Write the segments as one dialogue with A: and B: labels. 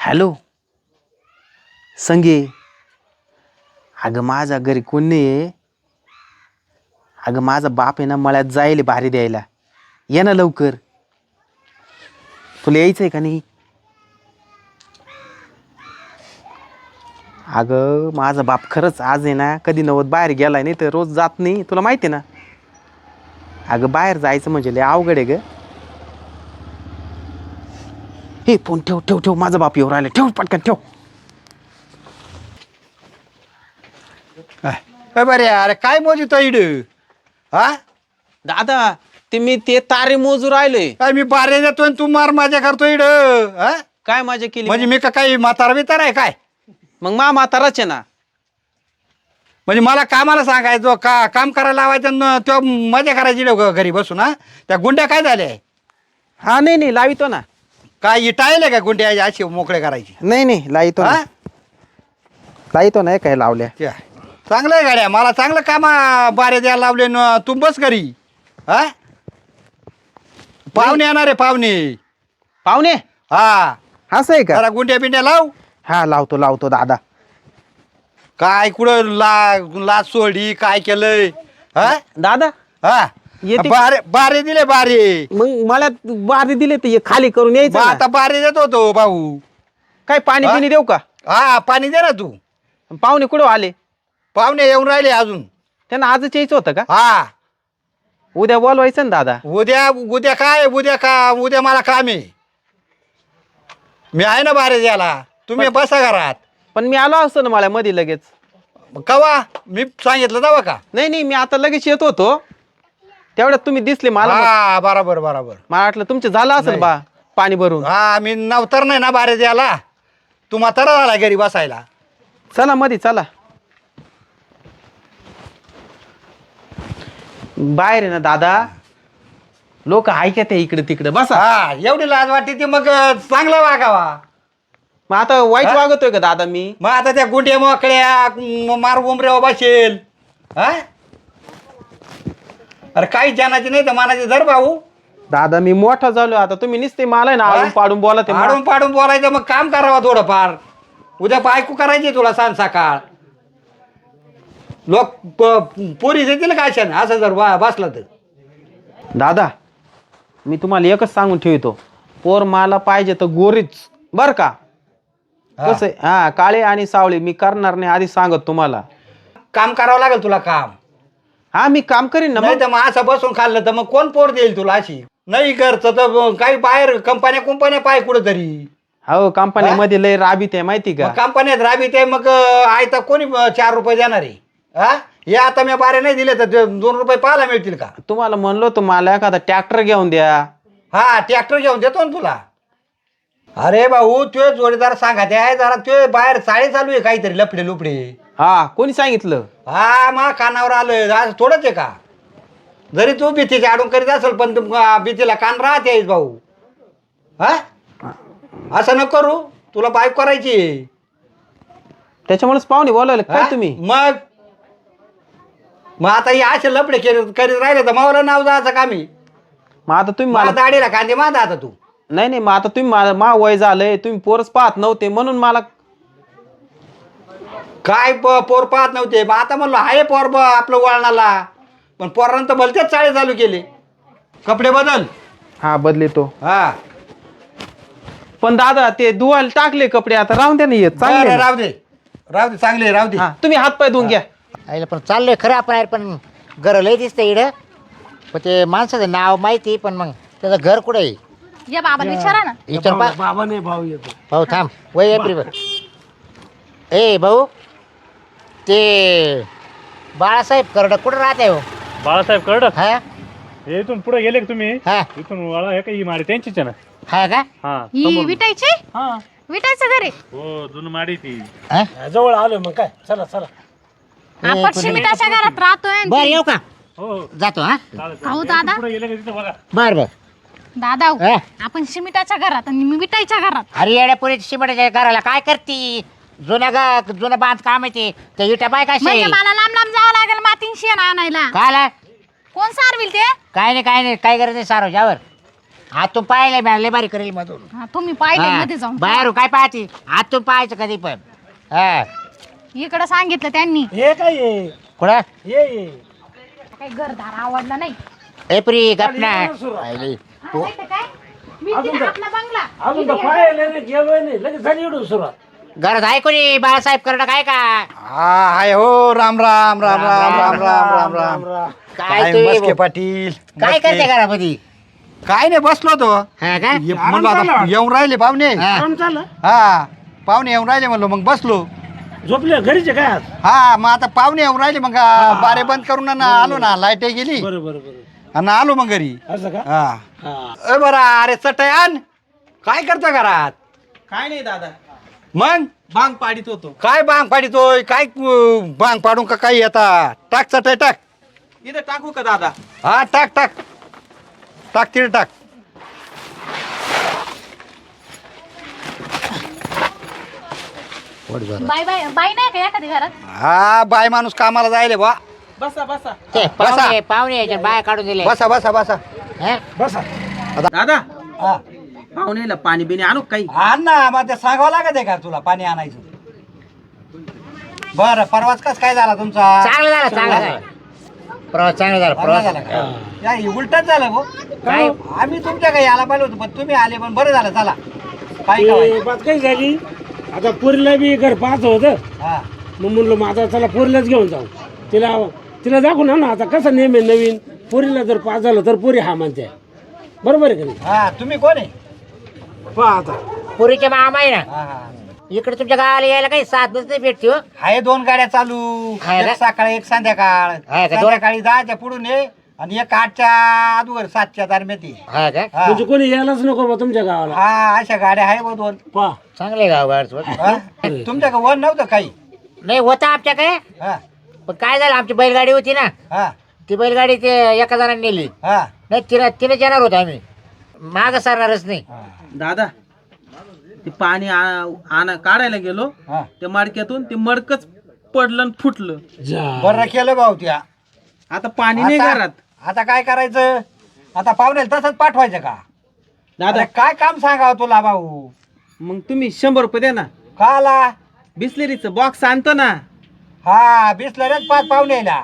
A: Hello संगे. अगं माझ्या घरी कोण नाही आहे. अगं माझा बाप आहे ना मळ्यात जाईल भारी द्यायला. ये ना लवकर. तुला यायचंय का नाही. अगं माझा बाप खरंच आज आहे ना कधी नव्वद बाहेर गेलाय नाही तर रोज जात नाही तुला माहिती आहे ना. अगं बाहेर जायचं म्हणजे लय अवघड आहे ग. हे फोन ठेव ठेव ठेव माझा बाप येऊ राहिला. ठेव पटकन ठेव.
B: बरे अरे काय मोजितो इड हा
A: दादा ते तारे मोजू राहिलोय.
B: काय मी बारे देतोय तू मार माझ्या करतो इड हा
A: काय मजा केली
B: म्हणजे मी का काही म्हातारा बितार आहे काय.
A: मग म्हाताराच आहे ना.
B: म्हणजे मला कामाला सांगायचं काम करायला लावायचं तो मजा करायची घरी बसून. हा त्या गुंड्या काय झाल्या.
A: हा नाही लावितो ना.
B: काय इटायले का गुंड्या अशी मोकळे करायची.
A: नाही लावितो ना. लावितो नाही काय लावल्या.
B: चांगलं आहे गाड्या मला चांगलं काम बारे द्यायला लावले तू बस घरी. हा पाहुणे येणार आहे पाहुणे. हा
A: असं आहे का.
B: जरा गुंड्या बिंड्या लाव.
A: हा लावतो दादा.
B: काय कुठं लाच सोडी काय केलंय. हा
A: दादा
B: हा
A: येते.
B: बारे दिले बारे.
A: मग मला बारी दिले तर खाली करून यायचं ना.
B: आता बारे देत होतो भाऊ.
A: काय पाणी पिणी देऊ का.
B: हा पाणी दे ना तू.
A: पाहुणे कुठं आले.
B: पाहुणे येऊन राहिले अजून.
A: त्यांना आजच यायचं होतं का.
B: हा
A: उद्या बोलवायचं ना दादा.
B: उद्या काय उद्या मला काम आहे. मी आहे ना बारे द्यायला. तुम्ही बसा घरात.
A: पण मी आलो असतो ना मला मध्ये लगेच.
B: कवा मी सांगितलं जावं का.
A: नाही मी आता लगेच येत होतो तेवढ्यात तुम्ही दिसले मला.
B: हा बरोबर
A: मला वाटलं तुमचं झालं असेल बा पाणी भरून.
B: हा मी नवतर नाही ना बारे द्यायला. तू म्हातारा झाला घरी बसायला.
A: चला मध्ये चला. बाहेर आहे ना दादा लोक ऐकत आहे इकडे तिकडे बसा.
B: हा एवढी लाज वाटते ती मग चांगला वागावा.
A: मग आता वाईट वागतोय का दादा मी.
B: मग आता त्या गुंड्या मोकळ्या मार उमऱ्यावर बसेल. हा अरे काही जनाची नाही तर मानाची धर भाऊ.
A: दादा मी मोठा झालो आता तुम्ही नुसते मला ना आडून पाडून बोला. ते
B: आडून पाडून बोलायचं मग काम करावं थोडंफार. उद्या बायको करायची तुला सांग सकाळ. लोक पोरी देतील का अशा असं जर बसला तर.
A: दादा मी तुम्हाला एकच सांगून ठेवतो पोर मला पाहिजे तर गोरीच बर का. कसं हा काळे आणि सावळे मी करणार नाही आधी सांगत तुम्हाला.
B: काम करावं लागेल तुला काम.
A: हा मी काम करीन ना.
B: नाही तर मग असं बसून खाल्लं तर मग कोण पोर देईल तुला अशी. नाही करत तर काही बाहेर कंपन्या पाय कुठं तरी.
A: हो कंपनीमध्ये लय राबीत आहे माहिती का.
B: कंपन्यात राबीत आहे मग आहे तर कोणी 4 रुपये देणार आहे. हा हे आता मी बारे नाही दिले तर 2 रुपये पाहायला मिळतील का.
A: तुम्हाला म्हणलो तुम्हाला एखादा ट्रॅक्टर घेऊन द्या.
B: हा ट्रॅक्टर घेऊन देतो ना तुला. अरे भाऊ तुझे जोडीदार सांगा ते आहे जरा ते बाहेर चाळी चालू आहे काहीतरी लफडे लुपडे.
A: हा कोणी सांगितलं.
B: हा मग कानावर आलं आज थोडंच आहे का. जरी तू भीतीची आडून करीत असेल पण भीतीला कान राहते भाऊ. हा असं नको करू तुला बाईक करायची.
A: त्याच्यामुळेच पाहुणे बोलावले काय तुम्ही.
B: मग आता हे असे लफडे करीत राहिले तर मावला नाव जायचं कामी.
A: मग आता तुम्ही
B: मला दाढीला कांदे माझा आता तू.
A: नाही मग आता तुम्ही मा वय झालंय तुम्ही पोरच पाहत नव्हते म्हणून मला.
B: काय पोर पाहत नव्हते मग आता म्हणलो हाय पोर आपलं वळणाला. पण पोरांतर भलतेच चाळे चालू केले. कपडे बदल.
A: हा बदलेतो.
B: हा
A: पण दादा ते धुवायला टाकले कपडे आता राहून द्या नाही चांगले.
B: राहू दे चांगले राहू दे.
A: तुम्ही हात पाय धुवून घ्या.
C: आईला पण चाललोय खरं आपण पण घर लय दिसतंय इकडं. पण ते माणसाचं नाव माहिती पण मग त्याचं घर कुठं आहे.
D: या बाबाला विचारा ना.
C: विचार
E: बाबा नाही भाऊ येतो.
C: भाऊ थांब वय एप्रिल. ए भाऊ ते बाळासाहेब करड कुठं राहते हो.
E: बाळासाहेब कर्डक
C: हा
E: हे इथून पुढे गेले का तुम्ही.
C: हा
E: इथून वाळा हे काही माडी त्यांचीच आहे ना.
C: हा का
E: हा
D: ही विटायची
E: हा
D: विटायचं घरी.
E: हो जुन माडी ती
C: हा?
E: जवळ आलो मग काय चला
D: आपण शिमिटाच्या घरात राहतोय.
C: बरं येऊ का
E: हो
C: जातो. हा
E: चालेल
D: अहो दादा.
E: पुढे गेले का तिथं बघा.
C: बर
D: दादा हो,
C: हा?
D: आपण शिमिटाच्या घरात आणि मी विटायच्या घरात.
C: अरे येड्या पुरी शिमटाच्या घराला काय करती. जुनं बांध काम आहे ते इटा बाय काय
D: म्हणजे मला लांब जावं लागेल मातीन शेण आणायला.
C: काय
D: कोण सारविल ते.
C: काय नाही काय गरज नाही सारो यावर. आतून पाहिले लय बारी करेल मधून
D: हा तुम्ही पाहिले
C: हा.
D: मध्ये जाऊन
C: बाहेरून काय पाहते आतून पाहायचं कधी पण हा
D: इकडे सांगितलं त्यांनी
E: हे काय आहे?
C: कुठं
E: ये
D: काही घरदार आवडला नाही
C: एप्री गपना
D: हा, नाही तर काय मी तिथे आपला बंगला
E: अजून तर पाहायला नाही गेलोय नाही लगेच झाली एवढं सुरुवात
C: घरात आहे कोणी बाळासाहेब करडा काय का
B: हा हाय हो राम राम राम राम राम राम राम राम
C: काय
B: काय
C: तुम्ही-
B: मस्के पाटील
C: काय
B: मस्के.
C: करते घरामध्ये
B: काय नाही बसलो तो
C: हा का
B: म्हणलं आता येऊन राहिले पाहुणे
C: हा.
E: काम चाललं
B: हा पाहुणे येऊन राहिले म्हणलो मग बसलो
E: झोपले घरीचे काय आज
B: हा मग आता पाहुणे येऊन राहिले मग बारे बंद करून ना आलो ना लाईट गेली
E: बरोबर
B: आणि आलो मग घरी
E: असं का
B: हा
E: हा.
B: बरा अरे चटयान काय करतो घरात
A: काय नाही दादा
B: मग
A: बांग पाडीत होतो
B: काय बांग पाडितोय काय बांग पाडून का काही आता टाक चटय टाक
A: इथं टाकू का दादा
B: हा टाक टाक टाक तिथे टाक
D: बाय बाय बाई नाही का एखादी घरात
B: हा बाय माणूस कामाला जायले बा
A: बसा बसा
C: ते पाहुणे पाहुणे यायचे बाया काढून दिले
B: बसा बसा बसा
C: हा?
E: बसा
A: दादा
B: हा
A: पाहुणेला पाणी बिणी आणू का काही
B: आण ना मग ते सांगावं लागत आहे का तुला पाणी आणायचं बरं परवाच कस काय झाला तुमचा
C: चांगलं झालं चांगलं झालं प्रवास चांगला झाला
B: चांगला
C: प्रवास
B: झाला का? या उलटच झालं भाऊ
C: काय
B: आम्ही तुमच्या काही यायला पाहिलं होतं पण तुम्ही आले पण बरं झालं चला काय काय
E: ते बात काही झाली आता पोरीला बी घर पाहत होतं
B: हा
E: मग म्हणलं मग आता चला पोरीलाच घेऊन जाऊ तिला तिला दाखवून ना आता कसं नेहमी नवीन पोरीला जर पास झालं तर पोरी हा म्हणते बरोबर आहे का नाही
B: हा तुम्ही कोण आहे
E: पहा आता
C: पुरीचे मामा आहे ना
B: हा हा
C: इकडे तुमच्या गावाला यायला काही साधनच नाही भेटते हो
B: आहे 2 गाड्या चालू
C: आहे का?
B: एक सकाळ एक संध्याकाळ
C: आहे का?
B: संध्याकाळी 10च्या पुढून ये आणि एक 8च्या अगोदर 7च्या दरम्यान ये.
C: हा का
B: हा.
E: म्हणजे कोणी यायलाच नको बा तुमच्या गावाला
B: हा अशा गाड्या आहे 2
E: पहा
C: चांगले गाव गाडचं
B: तुमच्याकडे वन नव्हतं काही
C: नाही होता आमच्याकडे
B: हा
C: पण काय झालं आमची बैलगाडी होती ना
B: हा
C: ती बैलगाडी ते एका जणांनी नेली
B: हा
C: नाही तिने येणार होतो आम्ही माग सरणारच नाही
A: दादा ते पाणी काढायला गेलो
B: हा
A: त्या मडक्यातून ते मडकच पडलं आणि फुटलं
E: जा
B: बरं केलं भाऊ त्या
A: आता पाणी नाही
B: आता
A: घरात
B: आता काय करायचं आता पाहुण्याला तसंच पाठवायचं का
A: दादा
B: अरे काय काम सांगावं तुला भाऊ
A: मग तुम्ही 100 रुपये द्या ना
B: का आला
A: बिस्लेरीचं बॉक्स आणतो ना
B: हा बिसलऱ्याच 5 पाहुण्याला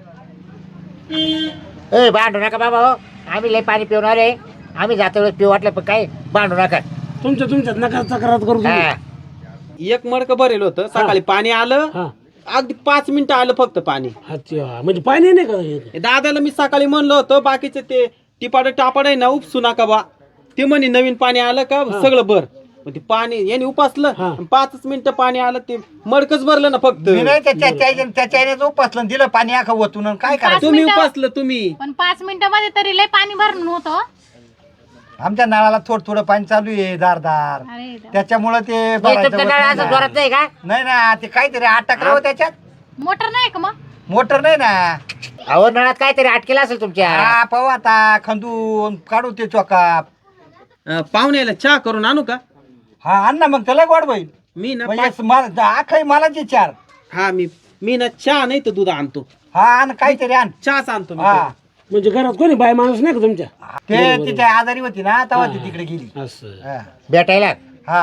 C: ए भांडू नका बाबा हो आम्ही लय पाणी पिवणार आहे आम्ही जातो वेळेस पिऊ वाटलं पण काय भांडू नका
E: तुमच्यात नका तक्रार करू तुम्ही.
C: हा.
A: एक मडकं भरेल होतं सकाळी पाणी आलं
E: हा
A: अगदी 5 मिनिटं आलं फक्त पाणी
E: अच्छा म्हणजे पाणी नाही का हे?
A: हे दादाला मी सकाळी म्हणलं होतं बाकीचे ते टिपाड टापाड आहे ना उपसू नका बा ते म्हणे नवीन पाणी आलं का सगळं भर मग ते पाणी याने उपासलं
E: हा.
A: 5 मिनिटं पाणी आलं ते मडकच भरलं ना फक्त
B: मी नाही त्याच्या उपसलं दिलं पाणी आखा ओतून आणि काय करायचं
A: तुम्ही
D: मिनिटं.
A: उपासलं तुम्ही
D: पण 5 मिनिटामध्ये तरी लय पाणी भरून होतं
B: आमच्या नळाला थोडं पाणी चालू आहे दारदार
D: अरे देवा.
B: त्याच्यामुळं ते
C: हे
B: भरायचं
C: तुमच्या
B: होत
C: नळ
B: नाही
C: असं
B: ना.
C: जोरात नाही का
B: नाही ना ते काहीतरी अटकलं हो त्याच्यात
D: मोटर नाही का मग
B: मोटर नाही ना
C: अहो नळात काहीतरी अटकेला असेल तुमच्या
B: हा पाहू आता खंदून काढू ते चोकाप
A: पाहुण्याला चहा करून आणू का
B: हा आण ना मग त्याला गोड होईल
A: मी ना
B: म्हणजे आखाई मला ते 4
A: हा मी ना चहा नाही तर दूध आणतो
B: हा आण काहीतरी आण
A: चहाच आणतो मी
B: हा
E: म्हणजे घरात कोणी बाय माणूस नाही का तुमच्या
B: ते तिच्या आजारी होती ना तेव्हा ती तिकडे गेली
E: असं
B: हा.
C: भेटायला
B: हा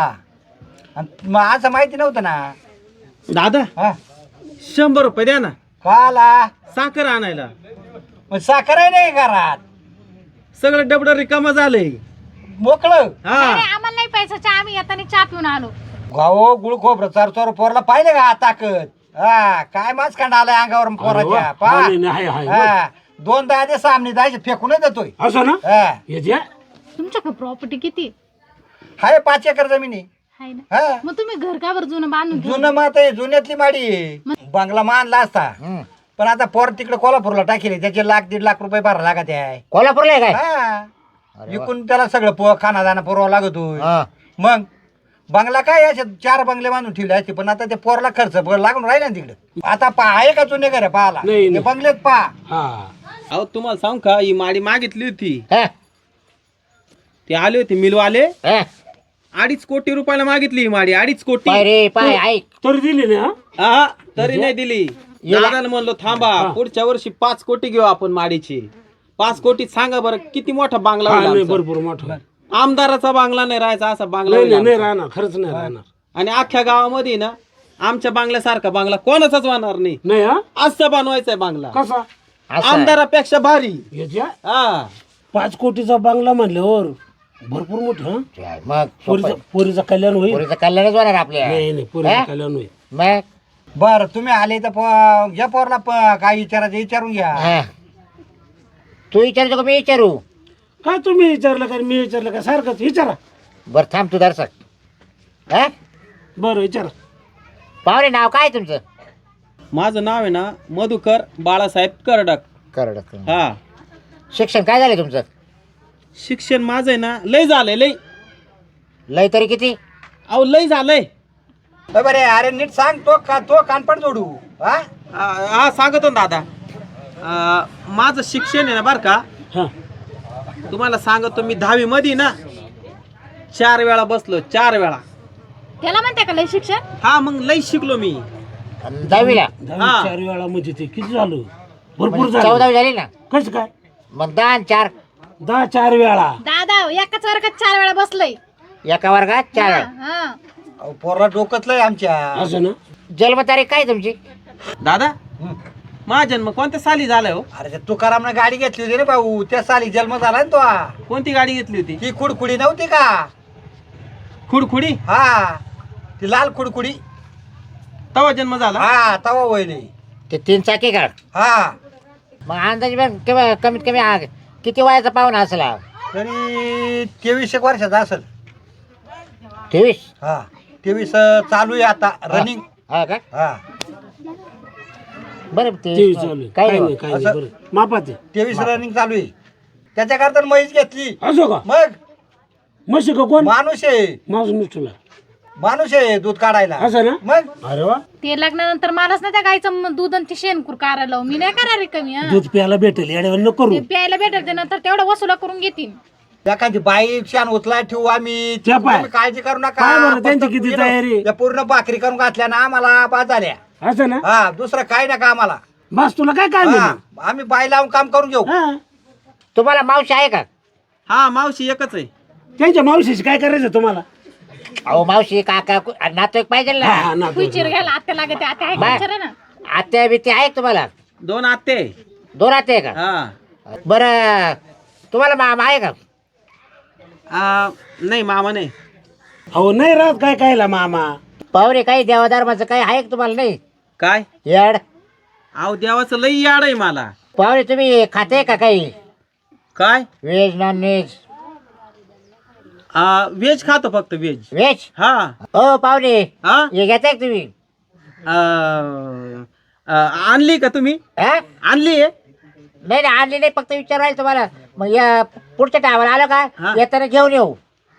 B: आणि मग असं माहिती नव्हतं ना
A: दादा
B: हा
A: 100 रुपये द्या ना
B: का आला
A: साखर आणायला
B: मग साखर आहे नाही घरात
A: सगळं डबडं रिकामं झालंय
B: मोकळं
A: हा
D: अरे आम्हाला नाही प्यायचं चहा आम्ही येताना चहा पिऊन आलो
B: गावो गुळ खोबरं चार पोरला पाहिले का ताकद हा काय माच कांड आलाय अंगावर पोराच्या
E: हा,
B: पहा
E: नाही, नाही, आहे,
B: हा 2 दहा सामने जायचे फेकूनच देतोय
E: असं ना
B: हा
E: याच्या
D: तुमच्याकडे प्रॉपर्टी किती
B: हाय 5 एकर जमिनी
D: आहे ना
B: हा
D: मग तुम्ही घर का बरं जुनं बांधून ठेवलं?
B: जुनं मात आहे जुन्यातली माडी आहे. बंगला मानला असता
C: हम्म.
B: पण आता पोर तिकडे कोल्हापूरला टाकेले त्याचे 1,00,000-1,50,000 रुपये भरा लागत आहे
C: कोल्हापूरला आहे काय
B: हा विकून त्याला सगळं खाना दाना पुरवा लागतोय
C: हा.
B: मग बंगला काय असे 4 बंगले बांधून ठेवले असते पण आता ते पोरला खर्च लागून राहिला ना तिकडे आता आहे का जुने घर पाहाला
E: नाही,
B: ते
E: नाही.
B: बंगलेत पहा
E: हा
A: अहो तुम्हाला सांग का ही माडी मागितली होती
C: हा,
A: ते आले होते मिलवाले
C: हा.
A: 2.5 कोटी रुपयाला मागितली ही माडी 2.5 कोटी
C: पाय रे पाय ऐक
E: तरी दिली ना
A: हा तरी नाही दिली दादाला म्हणलो थांबा पुढच्या वर्षी 5 कोटी घेऊ आपण माडीची 5 कोटीत सांगा बरं किती मोठा बांगला
E: हा
A: होईल
E: नाही
A: आमचा?
E: भरपूर मोठं
A: आमदाराचा बांगला नाही राहायचा असा बांगला
E: नाही
A: होईल
E: नाही नाही
A: आमचा.
E: राहणार खरंच नाही राहणार
A: आणि अख्ख्या गावामध्ये ना आमच्या बांगल्यासारखा बांगला कोणाचाच होणार नाही.
E: नाही हा
A: असं बनवायचंय बांगला,
E: कसा
C: असं आहे.
A: आमदारापेक्षा भारी.
E: याच्या
A: हा
E: 5 कोटीचा बांगला म्हणल्यावर भरपूर मोठं हा
C: काय, मग सोपं.
E: पोरीचं कल्याण होईल
C: पोरीचं कल्याणच होणार आपल्या
E: नाही नाही पोरीचं
C: हा?
E: कल्याण होईल
C: मग
B: बरं तुम्ही आले तर घ्या पोरला काय विचारायचं विचारून घ्या.
C: हा. तू विचारतो का मी विचारू?
E: काय तुम्ही विचारलं का मी विचारलं का सारखंच विचारा
C: बरं थांब तू दर्शक हा
E: बरं विचारा
C: पाहुणे नाव काय तुमचं?
A: माझं नाव आहे ना मधुकर बाळासाहेब करडक.
C: करड.
A: हा
C: शिक्षण काय झालं तुमचं?
A: शिक्षण माझं आहे ना लय झालंय लय.
C: लय तरी किती?
A: अहो लय झालंय.
B: बरे अरे नीट सांग तो कानपड जोडू हा
A: हा सांगतो ना दादा. माझं शिक्षण आहे ना बरं का,
E: हा
A: तुम्हाला सांगतो मी 10वी मध्ये ना 4 वेळा बसलो, 4 वेळा.
D: त्याला म्हणते का लय शिक्षण?
A: हा मग लय शिकलो मी.
C: आणि 10वीला?
E: 4 वेळा म्हणजे ते किती झालं भरपूर
C: म्हणजे
E: झालं
C: 14वी झाली ना?
E: कसं काय
C: मग 10 आणि 4
E: 4 वेळा
D: दादा एकाच वर्गात 4 वेळा बसलय.
C: एका वर्गात 4 वेळा.
D: हा
B: अहो, पोरला डोकतलंय आमच्या.
E: असं ना
C: जन्मतारीख काय तुमची?
A: दादा माझा जन्म कोणत्या साली झालाय हो?
B: अरे त्या तुकारामनं गाडी घेतली होती रे भाऊ, त्या साली जन्म झाला ना तो.
A: कोणती गाडी घेतली होती?
B: ही खुडखुडी नव्हती का?
A: खुडखुडी.
B: हा ती लाल खुडखुडी.
A: तवा जन्म झाला.
B: हा तवा वयली.
C: ते 3 चाकी का?
B: हा
C: मग अंदाजे बघ केव्हा कमीत कमी किती वयाचा पाहुणा असला?
B: तरी 23 वर्षाचा असेल.
C: 23?
B: हा 23 चालू आहे आता रनिंग.
C: हा का?
B: हा
C: बरं
E: ते
C: ते
E: चालू आहे.
C: काय
E: काही
C: नाही.
E: नाही काही नाही
B: असं-
E: बरं मापाचे
B: 23 रनिंग चालू आहे. त्याच्याकरता म्हैस घेतली.
E: असो का
B: मग
E: म्हशी का कोण
B: माणूस आहे,
E: माझं मिस्टरला
B: माणूस आहे दूध काढायला.
E: असं ना
B: मग
E: अरे वा
D: ते लग्नानंतर मलाच ना त्या गाईचं दूध आणि ती शेणकूर काढायला लावू. मी नाही करा कमी. हा
E: दूध प्यायला भेटेल येड्यावर न करू
D: ते प्यायला भेटेल ते नंतर तेवढं वसुला करून घेतील.
B: एखादी बाई शान उचला ठेवू आम्ही.
E: त्या पाय.
B: तुम्ही काळजी करू नका.
E: पाय बरं, त्यांची
B: फक्त
E: किती
B: you know,
E: तयारी.
B: त्या पूर्ण भाकरी करून घातल्या ना आम्हाला बाद झाल्या.
E: असं ना
B: हा दुसरं काय नका आम्हाला.
E: बस तुला काय काय
B: हा,
E: म्हणू
B: आम्ही बाई लावून काम करून घेऊ.
E: हा
C: तुम्हाला मावशी आहे का?
A: हा मावशी एकच आहे.
E: त्यांच्या मावशीशी काय करायचं तुम्हाला
C: अहो मावशी काका नातेवाईक पाहिजे
E: हा,
C: ना.
E: हा, ना,
D: खुईचीर घ्यायला आत्या लागते. आत्या आहे का?
C: बाय.
D: विचारा ना.
C: आत्या बित्या आहे का तुम्हाला?
A: 2 आत्ते.
C: 2 आत्या आहे का?
A: हा
C: बरं तुम्हाला मामा आहे का?
A: नाही मामा नाही.
E: अहो नाही राहत काय कायला मामा
C: पाहुणे काही देवाधर्माचं काही आहे का तुम्हाला? नाही
A: काय
C: याड
A: अहो देवाचं लई याड आहे मला.
C: पाहुणे तुम्ही खाते का काही?
A: काय
C: व्हेज नॉन व्हेज?
A: व्हेज खातो फक्त व्हेज.
C: व्हेज?
A: हा
C: हो पाहुणे
A: हा
C: हे घेताय का तुम्ही?
A: आणली का तुम्ही?
C: हा?
A: आणली आहे.
C: नाही नाही आणली नाही, फक्त विचारायला तुम्हाला. मग या पुढच्या टायमाला आलो
A: हा.
C: का येताना घेऊन येऊ.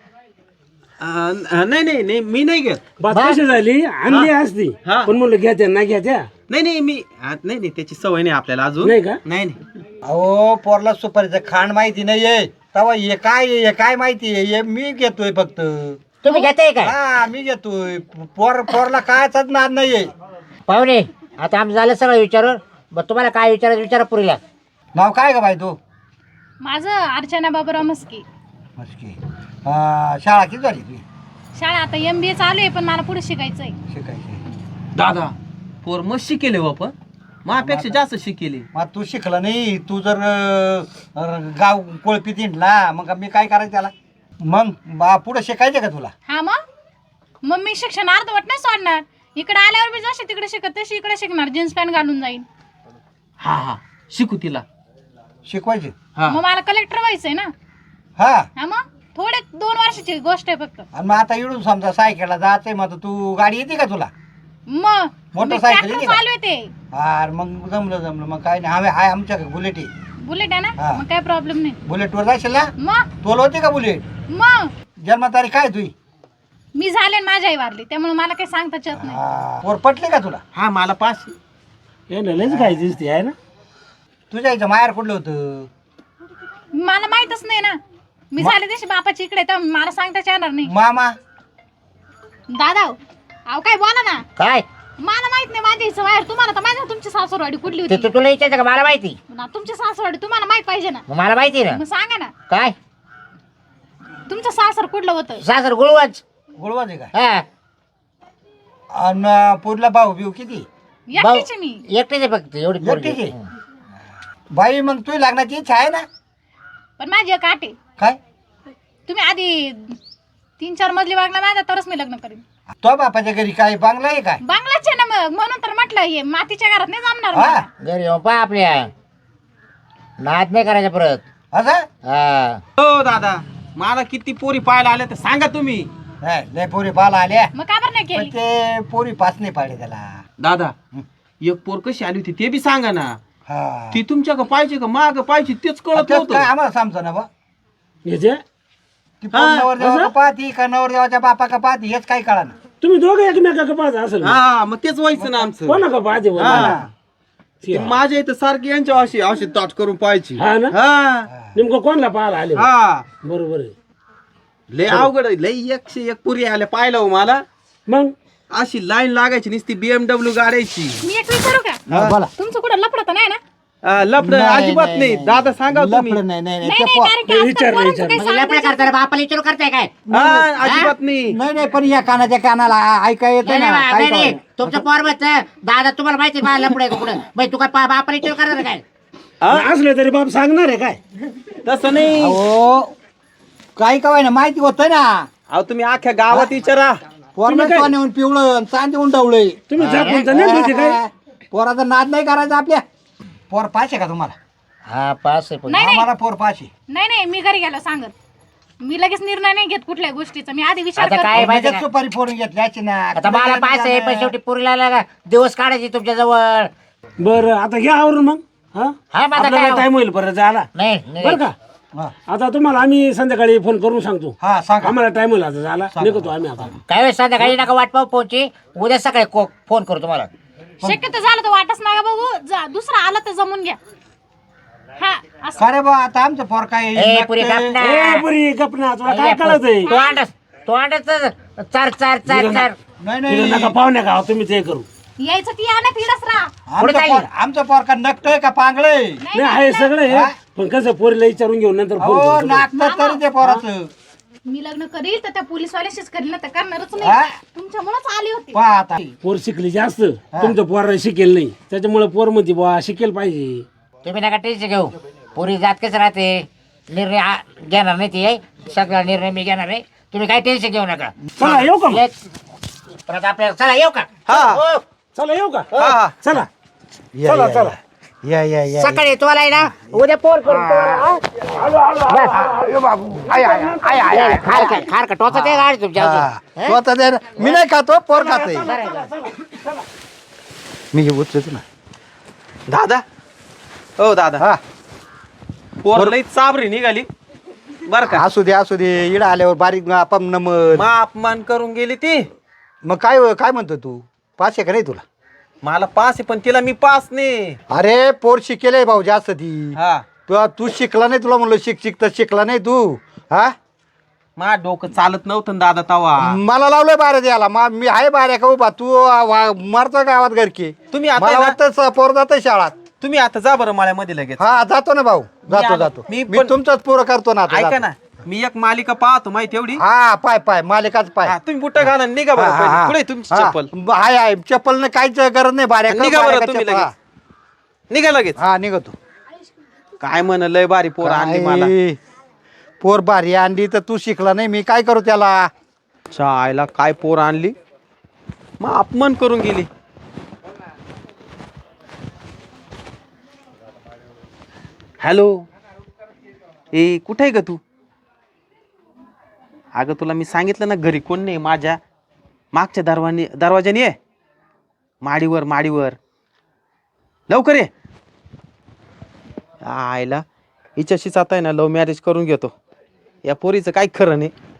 A: नाही नाही नाही मी नाही घेत.
E: बस
C: बा-
E: कशी झाली आणली असती
A: हा.
E: पण म्हणलं घ्या त्या नाही घ्या त्या
A: नाही नाही मी नाही नाही त्याची सवय नाही आपल्याला अजून.
E: नाही का?
A: नाही नाही.
B: अहो पोरला सुपारीचं खांड माहिती नाहीये तवा हे काय आहे, हे काय माहिती आहे हे मी घेतोय फक्त.
C: तुम्ही घेताय का?
B: हा मी घेतोय. पोरला कायच नाद नाहीये.
C: पाहुणे आता आमचं झालं सगळं विचारून. मग तुम्हाला काय विचारायचं विचारा पुरीला.
B: नाव काय का बाई तू?
D: माझं अर्चना बाबूराव मस्के.
B: मस्की. शाळा किती झाली तुझी?
D: शाळा आता MBA चालू आहे पण मला पुढे शिकायचंय.
B: शिकायची.
A: दादा पोर मस्त शिकेले हो आपण माझ्यापेक्षा जास्त शिकेले.
B: मग तू शिकला नाही. तू जर गाव कोळपीत हिंडला मग मी काय करायचं त्याला? मग पुढे शिकायचं का तुला?
D: हा मग मी शिक्षण अर्धवट नाही सोडणार. इकडे आल्यावर मी जशी तिकडे शिकत तशी इकडे शिकणार. जीन्स पॅन्ट घालून जाईन.
A: हा हा शिकू तिला.
B: शिकवायचे.
A: हा
D: मग मला कलेक्टर व्हायचंय ना.
B: हा
D: हा मग थोडे 2 वर्षाची गोष्ट आहे फक्त.
B: आणि मग आता इडून समजा सायकलला जायचंय मग तू गाडी येते का तुला?
D: मग
B: मोटरसायकल
D: ट्रॅक्टर
B: येते का?
D: चालू येते.
B: अरे मग जमलं मग काय नाही. हवे हाय आमच्याकडे बुलेट आहे.
D: बुलेट आहे ना
B: हा.
D: मग काय प्रॉब्लेम नाही.
B: बुलेटवर जाशील ना?
D: मग
B: तोल होती का बुलेट?
D: मग
B: जन्मतारीख काय तुझी?
D: मी झाले आणि माझी आई वारली त्यामुळे मला काही सांगताच येत नाही.
B: पोर पटले का तुला?
A: हा मला 5.
E: हे ना लयच काय दिसते आहे ना
B: तुझ्या इथं माहेर कुठलं होतं?
D: मला माहितच नाही ना. मी झाले तशी बापाची इकडे तर मला सांगताच येणार नाही.
B: मामा.
D: दादा अहो काय बोला ना.
C: काय
D: मला माहित नाही माझ्या हिचं बाहेर, तुम्हाला तर माहिती तुमची सासूरवाडी कुठली होती.
C: तुला विचारायचं का मला माहिती?
D: तुमची सासूरवाडी तुम्हाला माहित पाहिजे ना.
C: मग मला माहिती ना.
D: मग सांगा ना
C: काय
D: तुमचं सासर कुठलं होतं.
C: सासर गुळवाच.
B: गुळवाज आहे का?
C: हा
B: आणि पुरला भाऊ बिऊ किती?
D: एकटीचे मी.
C: एकटेच आहे फक्त एवढी पोरगी.
B: एकटीच आहे? बाई मग तुझी लग्नाची इच्छा आहे ना?
D: पण माझी एक आट आहे,
B: काय?
D: तुम्ही आधी 3-4 मजली बांगला माझा तरच मी लग्न करीन.
B: तो बापाच्या घरी काय बांगला आहे काय?
D: बांगलाच आहे ना मग, म्हणून तर म्हटलं हे मातीच्या घरात नाही जमणार
B: हा
D: मला.
C: घरी येऊन पहा आपल्या नाद नाही करायचा परत.
B: असं
C: हा
A: हो दादा, मला किती पोरी पाहायला आल्या तर सांगा तुम्ही.
B: नाही, लय पोरी बाला आल्या
D: मग का बरं नाही
B: पण
D: केली.
B: ते पोरी पाच नाही पाडले त्याला.
A: दादा एक पोर कशी आली होती ते बी सांगा ना.
B: हा
A: ती तुमच्या का पाहिजे का माग पाहिजे तेच कळत
B: तेच काय
A: नव्हतं.
B: आम्हाला समजा ना बा.
E: याचे
B: ती पोर नवरदेवा का पाहती का नवरदेवाच्या बापा का पाहती हेच काही कळा ना.
E: तुम्ही दोघं एकमेका पाहता असेल ना?
A: हा मग तेच व्हायचं ना आमचं.
E: कोणा का पाहते बोला?
A: हा. ते माझ्या इथं सारखी यांच्या अशी अशी ताट करून पाहायची.
E: हा ना?
A: हा
E: नेमकं कोणला पाहायला आले?
A: हा
E: बरोबर आहे.
A: लय अवघड आहे. लय 101 पुरी आल्या पाहिलं हो मला.
E: मग
A: अशी लाईन लागायची नुसती BMW गाड्याची.
D: मी एक विचारू का,
B: हा, बोला.
D: तुमचं कुठं लपडत नाही ना.
A: लपड
B: नाही,
A: अजिबात
B: नाही,
A: नाही.
B: नाही.
A: दादा सांगा हो तुम्ही.
B: लफडं नाही नाही नाही
D: नाही
B: ते
D: नाही,
B: पो-
D: कारण की
E: नाही,
D: आजकाल
E: विचार,
D: पोरांचं
E: विचार.
D: काही
C: म्हणजे लपड्या
D: सांगायचं.
C: करताना बापाला विचारू करताय काय?
A: हा अजिबात नाही.
B: नाही नाही पण या कानाच्या कानाला ऐका येत
C: नाही
B: ना
C: नाही,
B: काय
C: नाही, नाही.
B: कळलं?
C: तुमचं पोरबच दादा तुम्हाला माहिती आहे मला लपडे कुठं मग तू काय बापाला विचारू करणार काय?
E: असलं तरी बाप सांगणार आहे काय?
A: तसं नाही.
B: अहो काही कवाय ना माहिती होतं ना.
A: अहो तुम्ही अख्ख्या गावात विचारा.
B: पोरनं
E: काय?
B: सोन्याहून पिवळं चांदी उंडवलंय.
E: तुम्ही झाकून तर नाही ठेवते काय?
B: पोराचा नाद नाही करायचा आपल्या. पोर पाचशे का तुम्हाला?
C: हा पास आहे पण.
D: नाही नाही
B: आम्हाला पोर पाचशे.
D: नाही नाही, मी घरी गेलो सांगत. मी लगेच निर्णय नाही घेत कुठल्याही गोष्टीचा, मी आधी विचार
C: आता
D: करते.
C: काय माहिती
B: लगेच
C: का?
B: सुपारी फोडून घेतल्याची ना.
C: आता मला पास आहे पण शेवटी पुरीला दिवस काढायचे तुमच्या जवळ.
E: बरं आता घ्या आवरून मग. हा
C: हा मग आता
E: आपल्याला
C: काय?
E: टाइम होईल परत जायला.
C: नाही
E: बरं का?
B: हा.
E: आता तुम्हाला आम्ही संध्याकाळी फोन करून सांगतो.
B: हा सांगा.
E: आम्हाला टाइम होईल आता जायला. निघतो आम्ही आता.
C: काय वेळ संध्याकाळी नका वाट पाहू फोनची. उद्या सकाळी फोन करू तुम्हाला.
D: शक्यतो झालं तर वाटच नका बघू, जा दुसरा आला तर जमून घ्या. हा असं.
B: खरे बा आता आमचं पोर काय
C: ए पुरी
B: नागतं.
C: कापना.
E: ए पुरी गपना तुला काय कळत आहे?
C: तो अंडच चार चार चार चार.
B: नाही
E: तिला
B: नाही
E: नका पाहुण्या का तुम्ही ते करू.
D: यायचं ती आणा तिडच राहा.
B: आमचं पोर का नकटय का पांगळय?
E: नाही आहे सगळं आहे. पण कसं पोरीला विचारून घेऊन नंतर फोन
B: हो
E: करू.
B: नाकत तरी ते पोराचं.
D: मी लग्न करील तर त्या पोलीसवाल्याशीच करील ना, तर करणारच
B: हा?
D: नाही. तुमच्यामुळेच आली होती.
B: पहा आता
E: पोर शिकली जास्त तुमचं पोर शिकेल नाही त्याच्यामुळे पोर मध्ये बुवा शिकेल पाहिजे.
C: तुम्ही नका टेन्शन घेऊ. पुरी जात कसं राहते निर्णय घेणार नाही ती. सगळा निर्णय मी घेणार आहे. तुम्ही काय टेन्शन घेऊ नका.
E: चला येऊ का मग?
C: परत आपल्याला चला येऊ का?
A: हा.
C: हो.
E: चला येऊ का?
A: हा.
E: चला
B: या,
E: चला
B: या,
E: चला.
B: या या या
C: सकाळी तुम्हाला आहे ना उद्या फोन करू खार का टोचा ते गाडी तुमच्या
B: हा.
C: अजून.
B: स्वतः दे ना. मी नाही खातो पोर खाते. मी हे उचलतो ना.
A: दादा हो दादा,
B: हा
A: पोर लई चाबरी निघाली बर का.
B: असू दे इड आल्यावर बारीक आपण नमन.
A: मा अपमान करून गेली ती.
B: मग काय काय म्हणतो तू? पाचशे का नाही तुला?
A: मला पास आहे पण तिला मी पास नाही.
B: अरे पोर शिकेल भाऊ जास्त ती.
A: हा
B: तू शिकला नाही तुला म्हणलं शिक तर शिकला नाही तू. हा
A: मा डोकं चालत नव्हतं ना दादा तवा.
B: मला लावलंय बाऱ्या द्यायला. मी आहे बाऱ्या का उभा तू मारतो गावात घरकी.
A: तुम्ही आता
B: मला
A: आहे ना?
B: वाटतं पोर जातं शाळात.
A: तुम्ही आता जा बरं माळ्यामध्ये लगेच.
B: हा जातो ना भाऊ जातो
A: मी
B: मी
A: पण-
B: तुमचाच पोरं करतो ना आता
A: ऐका
B: जातो.
A: ना, मी एक मालिका पाहतो माहिती एवढी.
B: हा पाय मालिकाच पाय.
A: हा, तुम्ही बुट्टा घाला आणि निघा बरं पहिले. पुढे तुमची चप्पल.
B: आहे चप्पल काहीच गरज नाही बाऱ्या कर,
A: निघा
B: बाऱ्या
A: बरं
B: का
A: तुम्ही
B: चप्पल.
A: लगेच. निघा लगेच.
B: हा निघतो.
A: काय म्हण लय बारी पोर आणली मला.
B: काय? पोर भारी आणली तर तू शिकला नाही मी काय करू त्याला?
A: शाळेला काय पोर आणली मग अपमान करून गेली. हॅलो ए कुठे आहे ग तू? अगं तुला मी सांगितलं ना घरी कोण नाही. माझ्या मागच्या दरवाजाने ये. माडीवर लवकर ये. आयला हिच्याशीच आता आहे ना लव्ह मॅरेज करून घेतो. या पोरीचं काय खरं नाही.